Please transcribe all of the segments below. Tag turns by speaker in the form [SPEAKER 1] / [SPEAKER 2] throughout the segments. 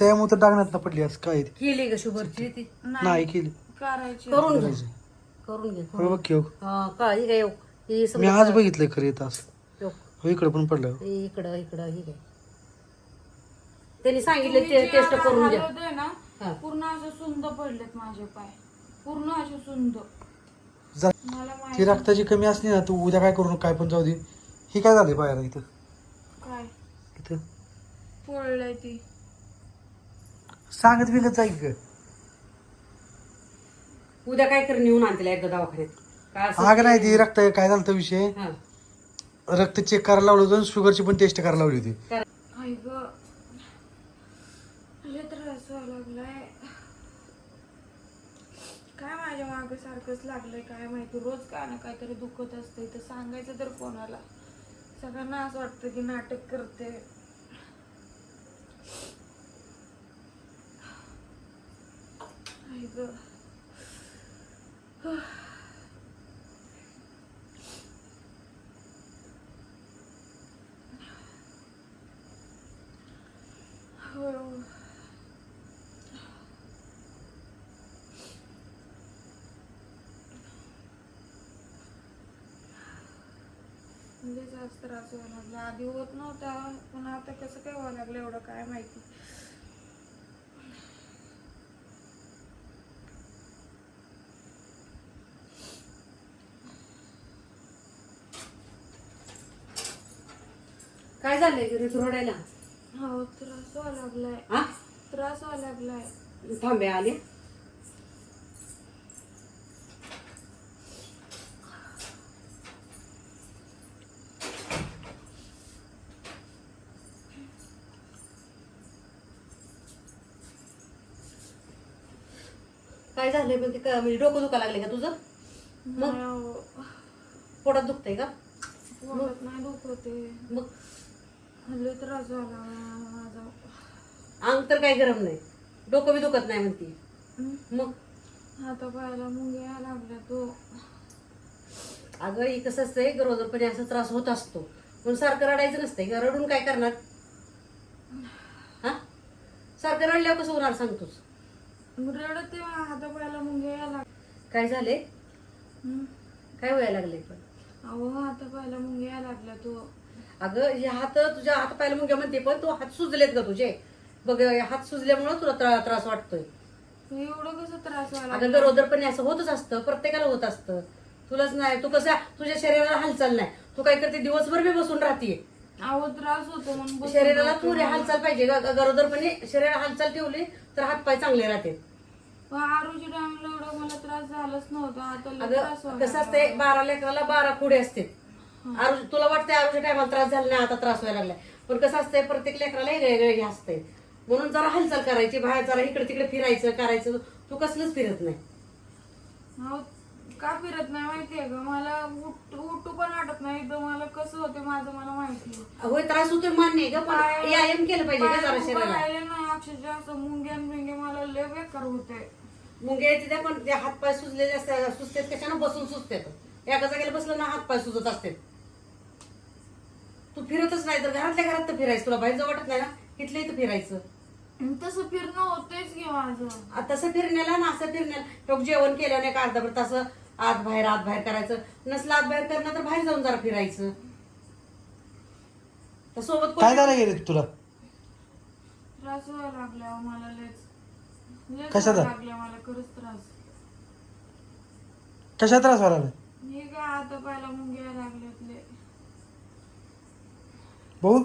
[SPEAKER 1] त्यामुळे तर डागण्यात पडली असं काय ते.
[SPEAKER 2] केली का शुगरची ती
[SPEAKER 1] नाही केली
[SPEAKER 3] करायची.
[SPEAKER 2] करून घे
[SPEAKER 1] करायची.
[SPEAKER 2] करून घे
[SPEAKER 1] हो बघ की हो.
[SPEAKER 2] का ही काय ही
[SPEAKER 1] मी
[SPEAKER 2] समजा
[SPEAKER 1] आज बघितलंय खरं येत असं
[SPEAKER 2] योग.
[SPEAKER 1] हो इकडं पण पडलं
[SPEAKER 2] इकडं इकडं ही काय त्यांनी सांगितलं
[SPEAKER 3] तुम्ही जे
[SPEAKER 2] टेस्ट
[SPEAKER 3] आता
[SPEAKER 2] करून घ्या
[SPEAKER 3] हलवताय ना
[SPEAKER 2] हा.
[SPEAKER 3] पूर्ण असं सुंद पडलेत माझे पाय, पूर्ण असे सुंद.
[SPEAKER 1] जा-
[SPEAKER 3] मला
[SPEAKER 1] ती
[SPEAKER 3] माहिती
[SPEAKER 1] रक्ताची कमी असली ना तू उद्या काय करू नको काय पण जाऊ दे. ही काय झाली पायाला इथं
[SPEAKER 3] काय
[SPEAKER 1] इथं
[SPEAKER 3] पडलंय ती.
[SPEAKER 1] सांगत बिगत जाईल का
[SPEAKER 2] उद्या काय कर नेऊन आणतील एकदा दवाखान्यात काय असं
[SPEAKER 1] आग नाही ती रक्त काय झालं होतं विषय
[SPEAKER 2] हा.
[SPEAKER 1] रक्त चेक करायला लावलं होतं शुगरची पण टेस्ट करायला लावली होती
[SPEAKER 3] आई ग लय त्रास व्हायला लागलाय. काय माझ्या मागे सारखंच लागलंय काय माहिती, रोज काय ना काहीतरी दुखत असतंय. तर सांगायचं तर कोणाला, सगळ्यांना असं वाटतं की नाटक करते. आई ग हो. म्हणजे जास्त त्रास व्हायला लागला. आधी होत नव्हता पण आता कसं काय व्हायला लागलं एवढं काय माहिती.
[SPEAKER 2] काय झालंय ऋतू रडायला
[SPEAKER 3] हो त्रास व्हायला लागलाय,
[SPEAKER 2] हा
[SPEAKER 3] त्रास व्हायला लागलाय.
[SPEAKER 2] थांबे आले काय झालंय पण ते म्हणजे डोकं दुखा लागले का तुझं मग
[SPEAKER 3] नाही अहो,
[SPEAKER 2] पोटात दुखतंय का
[SPEAKER 3] पोटात नाही दुखते,
[SPEAKER 2] मग
[SPEAKER 3] लय त्रास व्हायला लागला माझा.
[SPEAKER 2] अंग तर काही गरम नाही डोकं बी दुखत नाही म्हणती मग
[SPEAKER 3] हाता पायाला मुंग्या यायला लागल्या तो.
[SPEAKER 2] अगं ही कसं असतंय गरोदरपणे असा त्रास होत असतो पण सारखं रडायचं नसतंय का रडून काय करणार हा सारखं रडल्यावर कसं होणार सांगतोस
[SPEAKER 3] रडते हाता पायाला मुंग्या यायला लागल्या.
[SPEAKER 2] काय झाले काय व्हायला लागले पण
[SPEAKER 3] अहो हाता पायाला मुंग्या यायला लागल्या तो.
[SPEAKER 2] अगं हे हात तुझ्या हात पायाला मुंग्या म्हणते पण तू हात सुजलेत का तुझे बघ हात सुजल्यामुळे तुला त्रास वाटतोय.
[SPEAKER 3] एवढं कसं त्रास व्हायला
[SPEAKER 2] अगं गरोदरपणे असं होतच असतं प्रत्येकाला होत असतं तुलाच नाही तू कसं तुझ्या शरीराला हालचाल नाही तू काय करते दिवसभर बी बसून राहतीये.
[SPEAKER 3] अहो त्रास होतो म्हणून बसून
[SPEAKER 2] शरीराला
[SPEAKER 3] राहते.
[SPEAKER 2] पुरे हालचाल पाहिजे गरोदरपणे शरीराला हालचाल ठेवली तर हातपाय चांगले राहते.
[SPEAKER 3] पण आरोग्य टाइमला एवढा मला त्रास झालाच नव्हता, आता लय त्रास
[SPEAKER 2] अगं
[SPEAKER 3] व्हायला
[SPEAKER 2] कसं असते 12 लेकराला 12 खुडे असते. आरोग्य तुला वाटतंय आरोग्य टायमाला त्रास झाला नाही आता त्रास व्हायला लागलाय पण कसं असतंय प्रत्येक लेकराला वेगळे हे असते म्हणून जरा हालचाल करायची बाहेर जरा इकडे तिकडे फिरायचं करायचं तू कसलंच फिरत नाही.
[SPEAKER 3] अहो, का फिरत नाही माहितीये का मला उठू पण वाटत नाही. तर मला कसं होते माझं मला माहिती.
[SPEAKER 2] होय त्रास होतोय मान्य आहे ग पण व्यायाम केलं पाहिजे का जरा शरीराला.
[SPEAKER 3] राहिले नाही अक्षरशः असं मुंग्यान बिंगे मला लय बेकार होते.
[SPEAKER 2] मुंग्या येते त्या पण ते हातपाय सुजलेले असतात सुजतात कशानं बसून सुजतात एका जागेला बसलं ना हातपाय सुजत असतात. तू फिरतच नाही तर घरातल्या घरात तर फिरायचं तुला बाहेर जाऊ वाटत नाही ना इथल्या इथं फिरायचं.
[SPEAKER 3] तसं फिरणं होतेच की माझं.
[SPEAKER 2] तसं फिरण्याला ना असं फिरण्याला तो जेवण केलं नाही का अर्धा तास आत बाहेर करायचं नसलं आत बाहेर करणं तर बाहेर जाऊन जरा फिरायचं. तर सोबत
[SPEAKER 1] काय झालं गेले तुला
[SPEAKER 3] त्रास व्हायला लागला मला लयच
[SPEAKER 1] कशाचा?
[SPEAKER 3] लागला मला खरंच त्रास.
[SPEAKER 1] कशा त्रास व्हायला लागला?
[SPEAKER 3] हे काय हाता पायाला मुंग्या यायला लागल्यात लय.
[SPEAKER 1] भाऊ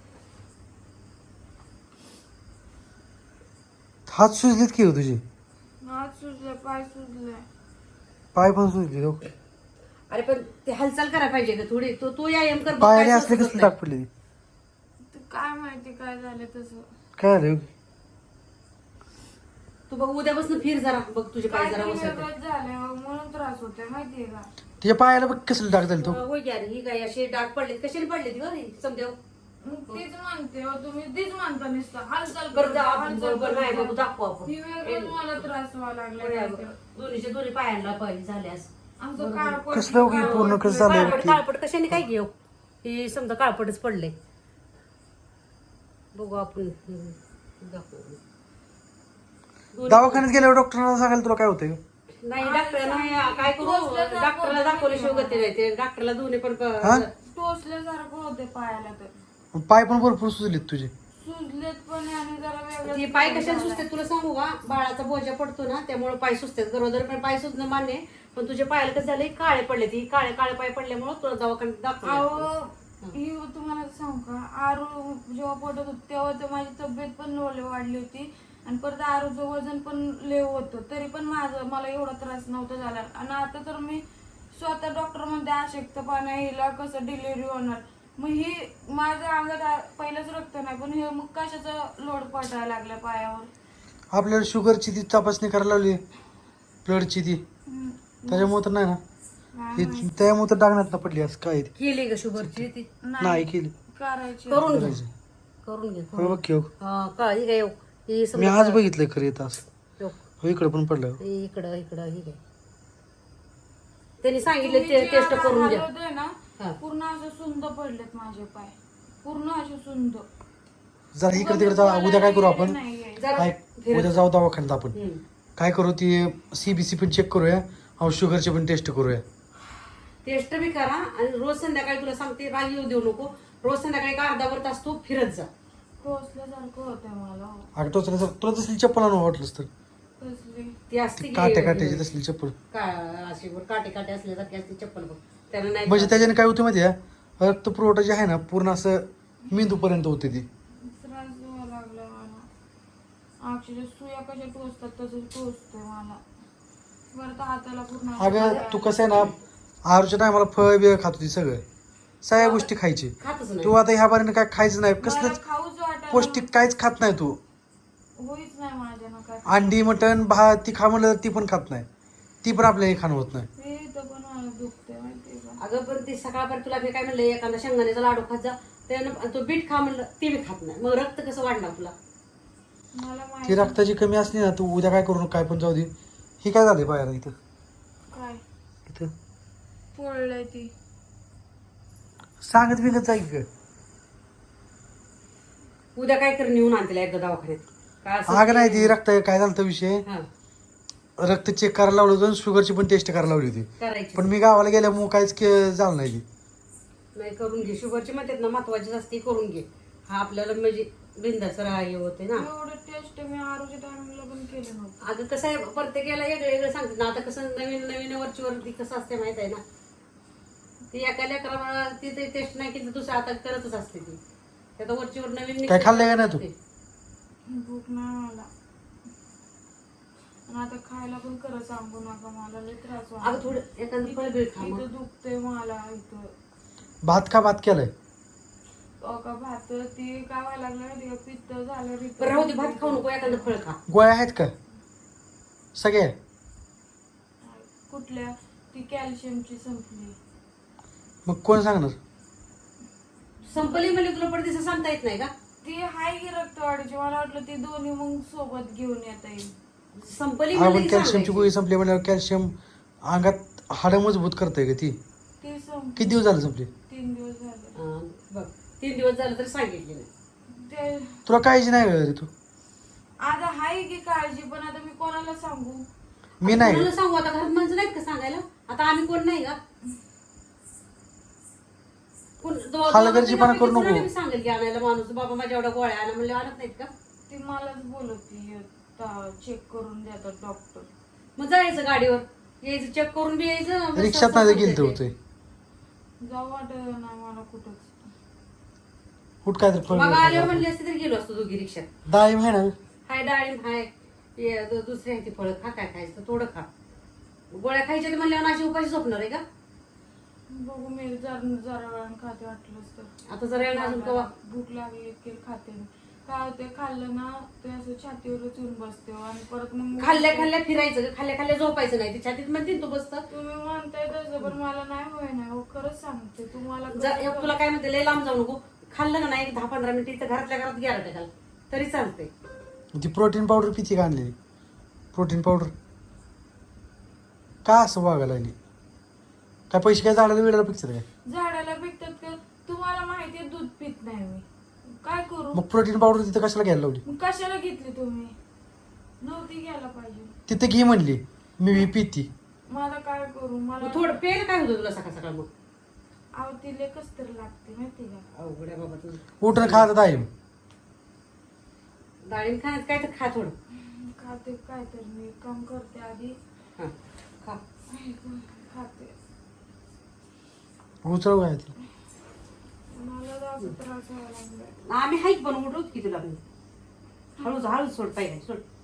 [SPEAKER 1] हात सुजलेत की हो तुझे
[SPEAKER 3] हात सुजले पाय सुजले.
[SPEAKER 1] पाय पण सुजले हो.
[SPEAKER 2] अरे पण ते हालचाल करायला पाहिजे का थोडी तू व्यायाम कर बघ,
[SPEAKER 1] पायाने
[SPEAKER 2] काय
[SPEAKER 1] असले
[SPEAKER 2] सुचत
[SPEAKER 1] कसले
[SPEAKER 2] नाही.
[SPEAKER 1] टाक पडले
[SPEAKER 3] ते काय माहिती काय झालं तसं.
[SPEAKER 1] काय झालं
[SPEAKER 2] तू बघ उद्यापासून फिर जरा बघ तुझे पाय जरा
[SPEAKER 3] काहीतरी
[SPEAKER 2] बसत
[SPEAKER 3] वेगळंच झालंय म्हणून त्रास होतोय माहितीये का.
[SPEAKER 1] तुझ्या पायाला बघ कसलं टाक झालं तो
[SPEAKER 2] होय की अरे ही काय असे डाग पडलेत कशाने पडलेत ग समजा
[SPEAKER 3] तीच म्हणते हो तुम्ही तीच म्हणता नुसतं हालचाल
[SPEAKER 2] बरं जा
[SPEAKER 3] करता,
[SPEAKER 2] आपण
[SPEAKER 3] हालचाल
[SPEAKER 2] बरोबर नाही
[SPEAKER 3] करता.
[SPEAKER 2] बघू दाखवू आपण
[SPEAKER 3] ही वेगळंच मला त्रास व्हायला लागलाय.
[SPEAKER 2] दोन्हीच्या दोन्ही पायांना पाहिजे झाल्यास
[SPEAKER 3] आमचं काळपट
[SPEAKER 1] कसलं हो की पूर्ण कसं झालंय बघ
[SPEAKER 2] काळपट
[SPEAKER 1] की.
[SPEAKER 2] काळपट कशाने काय घेऊ ही समजा काळपटच पडले बघू आपण
[SPEAKER 1] दवाखान्यात गेल्यावर डॉक्टरांना सांगायला तुला काय होतंय?
[SPEAKER 2] नाही डॉक्टर नाही काय करू डॉक्टरला दाखवल्याशिवाय गती नाही ते डॉक्टरला दोन्ही पण
[SPEAKER 1] हा?
[SPEAKER 3] टोचल्यासारखं होते पायाला तर
[SPEAKER 1] पाय पण भरपूर सुजलेत तुझे.
[SPEAKER 3] सुजलेत पण आणि जरा वेगळं
[SPEAKER 2] ती पाय कशाला सुचतात तुला सांगू का बाळाचा बोजा पडतो ना त्यामुळे पाय सुचतात गरोदर पण पाय सुचणं मान्य आहे. पण तुझ्या पायाला कसं झालं काळे पडले ती काळे काळे पाय पडल्यामुळे तुला दवाखान्यात दाखवलं.
[SPEAKER 3] अहो ही तुम्हाला सांगू का आरू जेव्हा पडत होत तेव्हा तर माझी तब्येत पण लोले वाढली होती आणि परत आरूचं वजन पण लेव होतं तरी पण मला एवढा त्रास नव्हता झाला आणि आता तर मी स्वतः डॉक्टर मध्ये अशक्तपणा हिला कसं डिलिव्हरी होणार मग ही माझ्या अंगात पहिलंच रक्त नाही पण हे मग कशाचा लोड पडायला लागला पायावर.
[SPEAKER 1] आपल्याला शुगरची ती तपासणी करायला लावली ब्लडची ती त्याच्यामुळे तर नाही ना
[SPEAKER 3] नाही
[SPEAKER 1] त्यामुळे तर डागण्यात पडली असं काय ते.
[SPEAKER 2] केली का शुगरची ती
[SPEAKER 1] नाही केली
[SPEAKER 3] करायची
[SPEAKER 2] करून घे
[SPEAKER 1] करायची.
[SPEAKER 2] करून घे
[SPEAKER 1] हो बघ की हो.
[SPEAKER 2] का ही काय ही
[SPEAKER 1] मी
[SPEAKER 2] समजा
[SPEAKER 1] आज बघितलंय खरं येत असं
[SPEAKER 2] यो,
[SPEAKER 1] हो इकडे पण पडलं.
[SPEAKER 2] इकडं इकडं ही काय त्यांनी सांगितलं ते टेस्ट करून घ्या.
[SPEAKER 3] होते ना
[SPEAKER 2] हा.
[SPEAKER 3] पूर्ण असे सुंद पडलेत माझे पाय पूर्ण असे सुंद.
[SPEAKER 1] जरा इकडे तिकडे जाऊ उद्या काय करू आपण
[SPEAKER 3] नाहीये.
[SPEAKER 2] जरा
[SPEAKER 1] काय उद्या जाऊ दवाखान्यात आपण
[SPEAKER 2] हम्म.
[SPEAKER 1] काय करू ती CBC पण चेक करूया आणि शुगरची पण टेस्ट करूया.
[SPEAKER 2] टेस्ट बी करा आणि रोज संध्याकाळी तुला सांगते राग येऊ देऊ नको रोज संध्याकाळी एक अर्धा तास तू फिरत जा.
[SPEAKER 3] टोचल्यासारखं होतंय मला.
[SPEAKER 1] अगं टोचल्याचं तुला तसली चप्पल आणून वाटलंच तर
[SPEAKER 3] कसली
[SPEAKER 2] ती असते की
[SPEAKER 1] काट्या काट्याची तसली चप्पल
[SPEAKER 2] अशी वर काटे काटे असल्यासारखी असते चप्पल बघ त्याला नाही
[SPEAKER 1] म्हणजे त्याच्याने काय होतं माहिती आहे रक्त पुरवठा जे आहे ना पूर्ण असं मेंदूपर्यंत होते ती.
[SPEAKER 3] त्रास व्हायला लागला मला. अक्षरशः सुया कशा टोचतात तसं टोचतंय मला. बरं तर हाताला पूर्ण
[SPEAKER 1] अगं तू कसं आहे ना आहारच्या टायमाला फळ बिळ खात होती सगळं सगळ्या गोष्टी खायची
[SPEAKER 2] खातच
[SPEAKER 1] तू
[SPEAKER 2] नाही
[SPEAKER 1] आता ह्या बारीने काय खायचं नाही
[SPEAKER 3] मला
[SPEAKER 1] कसलंच
[SPEAKER 3] खाऊच वाटायला
[SPEAKER 1] पौष्टिक काहीच खात नाही तू.
[SPEAKER 3] होईच नाही माझ्यानं काय.
[SPEAKER 1] अंडी मटण भात ती खा म्हणलं तर ती पण खात नाही ती पण आपल्याला खाणं होत नाही.
[SPEAKER 3] हे इथं पण मला दुखतंय माहितीये का.
[SPEAKER 2] अगं पण ती सकाळपर्यंत तुला मी काय म्हणलं एखादा शेंगदाण्याचा लाडू खात जा त्यानं तो बीट खा म्हणलं ती बी खात नाही मग रक्त कसं वाढणार तुला.
[SPEAKER 3] मला
[SPEAKER 1] ती
[SPEAKER 3] माहिती
[SPEAKER 1] रक्ताची कमी असली ना तू उद्या काय करू नको काय पण जाऊ दे. ही काय झाले पायाला इथं
[SPEAKER 3] काय
[SPEAKER 1] इथं
[SPEAKER 3] पोळलंय ती.
[SPEAKER 1] सांगत बिगत जाईल का
[SPEAKER 2] उद्या काय कर नेऊन आणते एकदा दवाखान्यात काय असं
[SPEAKER 1] अगं नाही ती रक्त काय झालं होतं विषय
[SPEAKER 2] हा,
[SPEAKER 1] रक्त चेक करायला लावलं होतं शुगरची पण टेस्ट करायला लावली होती
[SPEAKER 2] करायची
[SPEAKER 1] पण मी गावाला गेल्यामुळे काहीच झालं नाही ती.
[SPEAKER 2] नाही करून घे शुगरची म्हणतात ना महत्वाची असते करून घे हा आपल्याला म्हणजे बिंदाचं हे होते ना.
[SPEAKER 3] एवढं टेस्ट मी आरोग्य टायमिंगला पण केलं नव्हतं.
[SPEAKER 2] अगं कसं आहे प्रत्येकाला वेगळं वेगळं सांगतात ना आता कसं नवीन नवीन वरची कसं असते माहित आहे ना ती एका लेकराला ती टेस्ट नाही केली दुसरं आता करतच असते ती आता वरचीवर नवीन
[SPEAKER 1] काय खाल्लंय का नाही तू?
[SPEAKER 3] भूक नाही मला आणि आता खायला पण खरं सांगू नका मला लय त्रास
[SPEAKER 2] अगं
[SPEAKER 3] व्हायला.
[SPEAKER 2] थोडं एखादं फळ बिळ खा मग.
[SPEAKER 3] इथं दुखतंय मला इथं.
[SPEAKER 1] भात का भात केलाय
[SPEAKER 3] का भात ती काय व्हायला लागलं माहिती का पित्त झालं
[SPEAKER 2] बरं राहू दे भात खाऊ नको एखादं फळ खा.
[SPEAKER 1] गोळ्या आहेत का सगळ्या
[SPEAKER 3] कुठल्या ती कॅल्शियमची संपली.
[SPEAKER 1] मग कोण सांगणार
[SPEAKER 2] संपली म्हणजे तुला पडदिसं सांगता येत नाही का.
[SPEAKER 3] ती हाय की रक्तवाढीची मला वाटलं ती दोन्ही मग सोबत घेऊन येता येईल.
[SPEAKER 2] संपली
[SPEAKER 1] आपण
[SPEAKER 2] म्हणजे
[SPEAKER 1] कॅल्शियमची गोळी संपली म्हणल्यावर कॅल्शियम अंगात हाडं मजबूत करतंय का ती
[SPEAKER 3] ती संपली.
[SPEAKER 1] किती दिवस झाले संपली
[SPEAKER 3] 3 दिवस झाले.
[SPEAKER 2] बघ 3 दिवस झालं तरी सांगितले नाही.
[SPEAKER 3] ते
[SPEAKER 1] तुला काळजी नाही रे तू
[SPEAKER 3] आता हाय की काळजी पण आता मी कोणाला सांगू.
[SPEAKER 1] मी नाही
[SPEAKER 2] कोणाला सांगू आता घरात माणसं नाहीत का सांगायला आता आम्ही कोण नाही का
[SPEAKER 1] हलगर्जीपणा करू नको.
[SPEAKER 2] दोघांना सांगेल की आणायला माणूस बाबा माझ्या एवढ्या गोळ्या आणा म्हणले आणत नाहीत का.
[SPEAKER 3] ती मलाच बोलवती चेक करून देतात डॉक्टर.
[SPEAKER 2] मग जायचं गाडीवर यायचं चेक करून बी यायचं बस
[SPEAKER 1] रिक्षात
[SPEAKER 2] असं
[SPEAKER 1] नाही
[SPEAKER 2] होतंय
[SPEAKER 1] गेलं
[SPEAKER 2] ते.
[SPEAKER 1] होते
[SPEAKER 3] जाऊ वाटत नाही मला कुठंच.
[SPEAKER 1] कुठ काय तर
[SPEAKER 2] मग आल्यावर म्हणले असते तरी गेलो असतो दोघी रिक्षात.
[SPEAKER 1] डाळिंब आहे ना
[SPEAKER 2] हाय डाळिंब हाय दुसरी आहे ती फळं खा काय खायचं थोडं खा. गोळ्या खायच्या ते म्हणल्यावर अशी उपाशी झोपणार आहे का.
[SPEAKER 3] बघू मी जरा वेळानं खाते वाटलंच तर.
[SPEAKER 2] आता जरा वेळ अजून कवा
[SPEAKER 3] भूक लागली की खाते मी. काय होते खाल्लं ना ते असं छातीवरच येऊन बसते आणि परत मग
[SPEAKER 2] खाल्ल्या खाल्ल्या फिरायचं खाल्ल्या खाल्ल्या झोपायचं नाही ती छातीत म्हणते तू बसतं.
[SPEAKER 3] तुम्ही म्हणताय तसं पण मला नाही होय ना हो खरंच सांगते तुम्हाला.
[SPEAKER 2] तुला काय म्हणते लय लांब जाऊ नको खाल्लं का नाही 10-15 मिनिटं इथं घरातल्या घरात गेला टाकाल तरी चालतंय.
[SPEAKER 1] ती प्रोटीन पावडर किती का आणलेली प्रोटीन पावडर का असं वागायला लागली काय पैसे काय झाडाला वेळेला पिक्चर काय
[SPEAKER 3] झाडाला पिकतात का तुम्हाला माहितीये दूध पित नाही मी काय करू
[SPEAKER 1] मग प्रोटीन पावडर तिथं कशाला घ्यायला लावली?
[SPEAKER 3] मग कशाला घेतली तुम्ही? नव्हती घ्यायला पाहिजे.
[SPEAKER 1] तिथे घे म्हणली, मी पिती.
[SPEAKER 3] मला काय करू? मला
[SPEAKER 2] मग थोडं पेन काय होतं तुला सकाळ सकाळ? मग
[SPEAKER 3] अहो तिले कस तर लागते माहिती का?
[SPEAKER 2] अवघड आहे बाबा तुझं.
[SPEAKER 1] उठून खात आहे.
[SPEAKER 2] डाळिंब खाण्यात काय तर खा थोडं.
[SPEAKER 3] खाते काय तर मी काम करते आधी.
[SPEAKER 2] हा खा.
[SPEAKER 3] खाते.
[SPEAKER 1] उचल काय ते.
[SPEAKER 3] मला जास्त त्रास व्हायला लागलाय.
[SPEAKER 2] आम्ही हाईक बनवून उठवत की तुला. हळूच हळूच सोड पाहिजे सोड.